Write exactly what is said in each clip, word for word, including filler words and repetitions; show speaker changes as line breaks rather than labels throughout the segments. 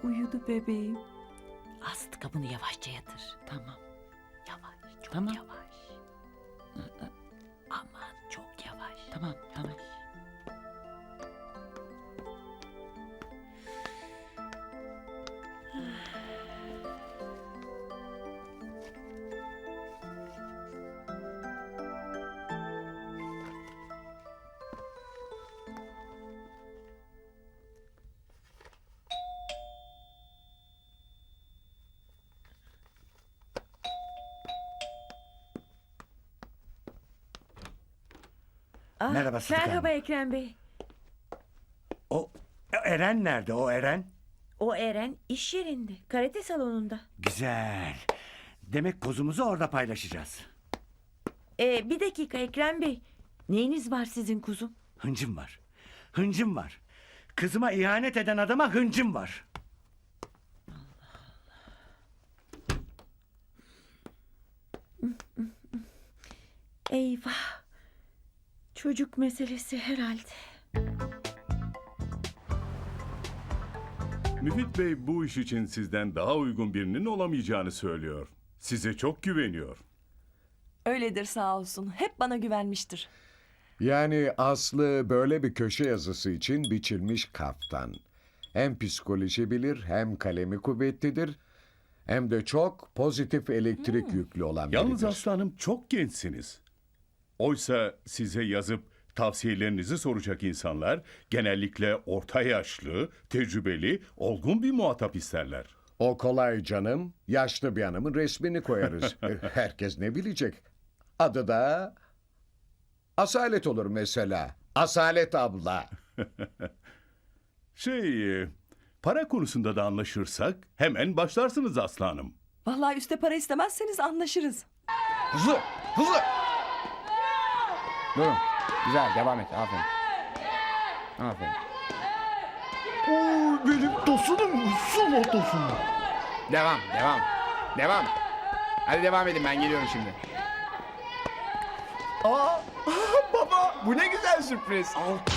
uyudu bebeğim.
Aslı kabını yavaşça yatır. Tamam. Yavaş, çok
Tamam.
yavaş. Aman çok yavaş.
Tamam, tamam.
Ah,
Merhaba Sıdık
Merhaba
Hanım.
Ekrem Bey.
O Eren nerede o Eren?
O Eren iş yerinde, karate salonunda.
Güzel. Demek kozumuzu orada paylaşacağız.
Ee, bir dakika Ekrem Bey. Neyiniz var sizin kuzum?
Hıncım var. Hıncım var. Kızıma ihanet eden adama hıncım var.
Eyvah. Çocuk meselesi herhalde.
Müfit Bey bu iş için sizden daha uygun birinin olamayacağını söylüyor. Size çok güveniyor.
Öyledir sağ olsun. Hep bana güvenmiştir.
Yani Aslı böyle bir köşe yazısı için biçilmiş kaftan. Hem psikoloji bilir, hem kalemi kuvvetlidir, hem de çok pozitif elektrik yüklü olan
Yalnız
biridir.
Aslı Hanım çok gençsiniz. Oysa size yazıp tavsiyelerinizi soracak insanlar genellikle orta yaşlı, tecrübeli, olgun bir muhatap isterler.
O kolay canım, yaşlı bir hanımın resmini koyarız. Herkes ne bilecek? Adı da Asalet olur mesela. Asalet abla.
Şey, e, para konusunda da anlaşırsak hemen başlarsınız Aslı Hanım.
Vallahi üste para istemezseniz anlaşırız.
Hızlı, hızlı. Durun. Güzel, devam et. Aferin. Aferin.
Oo, benim tosunum, su tosunum.
Devam, devam. Devam. Hadi devam edin, ben geliyorum şimdi.
Aa, baba bu ne güzel sürpriz.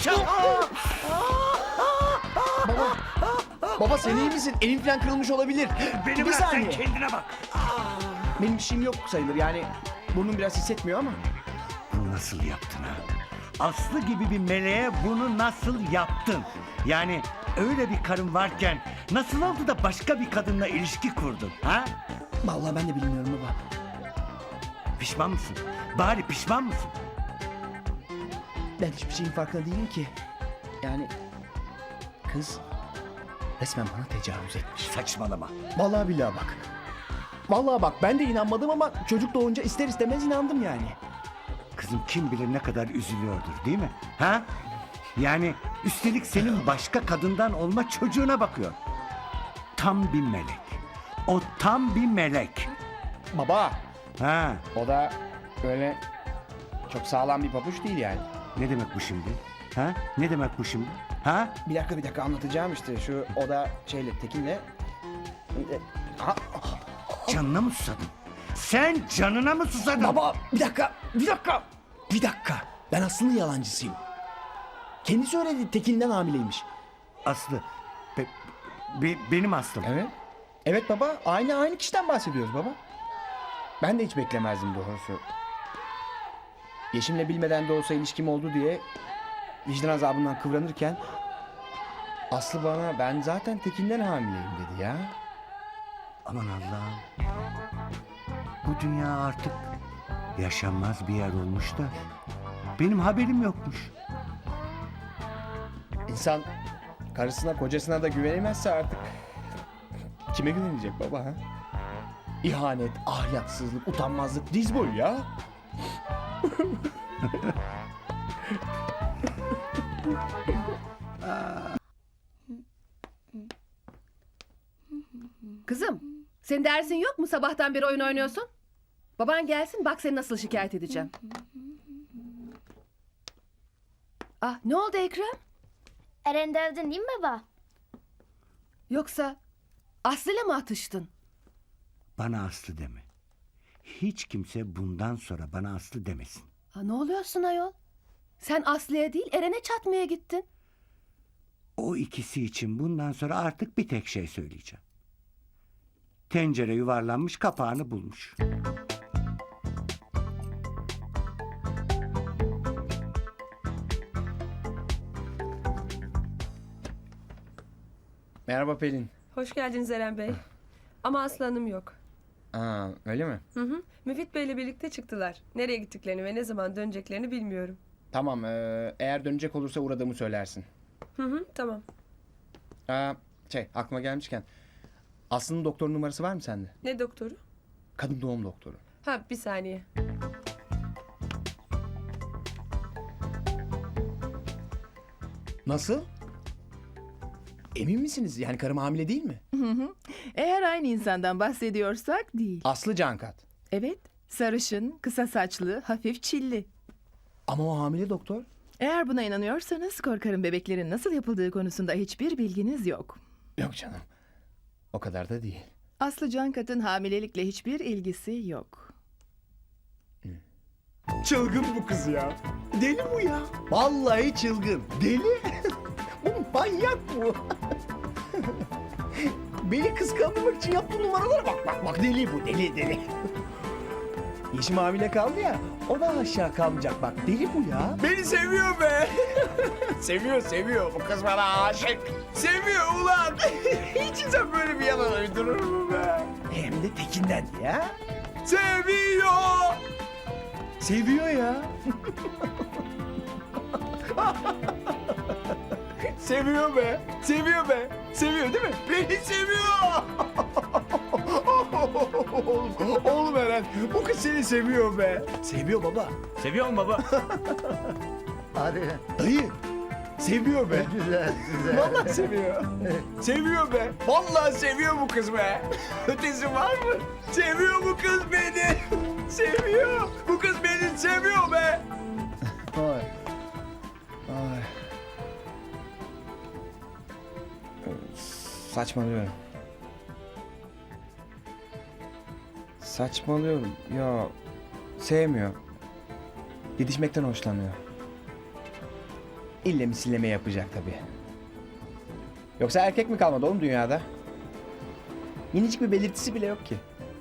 Baba, baba sen iyi misin? Elin falan kırılmış olabilir.
Beni
bir
bırak sen
saniye.
kendine bak.
Benim bir şeyim yok sayılır yani. Burnum biraz hissetmiyor ama.
Bunu nasıl yaptın ha? Aslı gibi bir meleğe bunu nasıl yaptın? Yani öyle bir karın varken nasıl oldu da başka bir kadınla ilişki kurdun ha?
Vallahi ben de bilmiyorum baba.
Pişman mısın? Bari pişman mısın?
Ben hiçbir şeyin farkında değilim ki. Yani kız resmen bana tecavüz etmiş.
Saçmalama.
Vallahi billahi bak. Vallahi bak ben de inanmadım ama çocuk doğunca ister istemez inandım yani.
Kızım kim bilir ne kadar üzülüyordur değil mi? Ha? Yani üstelik senin başka kadından olma çocuğuna bakıyor. Tam bir melek. O tam bir melek.
Baba,
Ha?
o da öyle çok sağlam bir pabuç değil yani.
Ne demek bu şimdi? Ha? Ne demek bu şimdi? Ha?
Bir dakika bir dakika anlatacağım işte. Şu o da şeyle Tekin'le... Ha,
Canına mı susadın? Sen canına mı susadın?
Baba bir dakika, bir dakika, bir dakika. Ben aslında yalancısıyım. Kendi söyledi Tekin'den hamileymiş.
Aslı. Be- be- benim Aslım.
evet. Evet baba, aynı aynı kişiden bahsediyoruz baba. Ben de hiç beklemezdim doğrusu. Yeşim'le bilmeden de olsa ilişkim oldu diye vicdan azabından kıvranırken Aslı bana ben zaten Tekin'den hamileyim dedi ya.
Aman Allah'ım. Bu dünya artık yaşanmaz bir yer olmuş da benim haberim yokmuş.
İnsan karısına kocasına da güvenemezse artık kime güvenecek baba ha? İhanet, ahlaksızlık, utanmazlık diz boyu ya.
Kızım, senin dersin yok mu? Sabahtan beri oyun oynuyorsun. Baban gelsin, bak seni nasıl şikayet edeceğim. Ah, ne oldu Ekrem?
Eren dövdün değil mi baba?
Yoksa Aslı'yla mı atıştın?
Bana Aslı deme. Hiç kimse bundan sonra bana Aslı demesin.
Ha, ne oluyorsun ayol? Sen Aslı'ya değil Eren'e çatmaya gittin.
O ikisi için bundan sonra artık bir tek şey söyleyeceğim. Tencere yuvarlanmış, kapağını bulmuş.
Merhaba Pelin.
Hoş geldiniz Eren Bey. Ama Aslı Hanım yok.
Aa, öyle mi?
Hı hı. Müfit Bey'le birlikte çıktılar. Nereye gittiklerini ve ne zaman döneceklerini bilmiyorum.
Tamam, ee, eğer dönecek olursa uğradığımı söylersin.
Hı hı, tamam.
Aa, şey, aklıma gelmişken. Aslı'nın doktor numarası var mı sende?
Ne doktoru?
Kadın doğum doktoru.
Ha, bir saniye.
Nasıl? Emin misiniz? Yani karım hamile değil mi?
Eğer aynı insandan bahsediyorsak değil.
Aslı Cankat.
Evet, sarışın, kısa saçlı, hafif çilli.
Ama o hamile doktor.
Eğer buna inanıyorsanız korkarım bebeklerin nasıl yapıldığı konusunda hiçbir bilginiz yok.
Yok canım. O kadar da değil.
Aslı Cankat'ın hamilelikle hiçbir ilgisi yok.
Çılgın bu kız ya. Deli bu ya. Vallahi çılgın. Deli. Bu manyak bu. Beni kıskandırmak için yaptığı numaralara bak bak bak. Deli bu, deli deli. Yeşim hamile kaldı ya. O da aşağı kalmayacak bak. Deli bu ya. Beni seviyor be. seviyor seviyor. Bu kız bana aşık. Seviyor ulan. Hiç insan böyle bir yalan uydurur mu be? Hem de tekinden ya. Seviyor. Seviyor ya. Seviyor be. Seviyor be. Seviyor değil mi? Beni seviyor. Oğlum Eren, bu kız seni seviyor be. Seviyor baba. Seviyor mu baba?
Hadi.
Dayı. Seviyor be.
Güzel, güzel.
Vallahi seviyor. Seviyor be. Vallahi seviyor bu kız be. Ötesi var mı? Seviyor bu kız beni. Seviyor. Bu kız beni seviyor be. Ay. Ay. Saçmalıyorum. Saçmalıyorum. Ya sevmiyor. Gidişmekten hoşlanıyor. İlle misilleme yapacak tabii. Yoksa erkek mi kalmadı oğlum dünyada? Minicik bir belirtisi bile yok ki.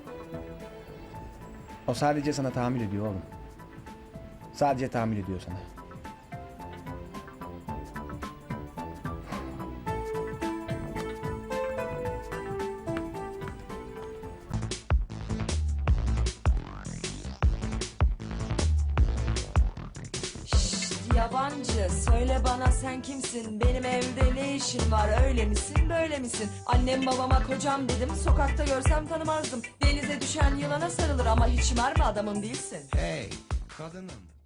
O sadece sana tahammül ediyor oğlum. Sadece tahammül ediyor sana.
Yabancı, söyle bana sen kimsin? Benim evde ne işin var? Öyle misin, böyle misin? Annem babama kocam dedim, sokakta görsem tanımazdım. Denize düşen yılana sarılır ama hiç mermi adamın değilsin.
Hey kadınım.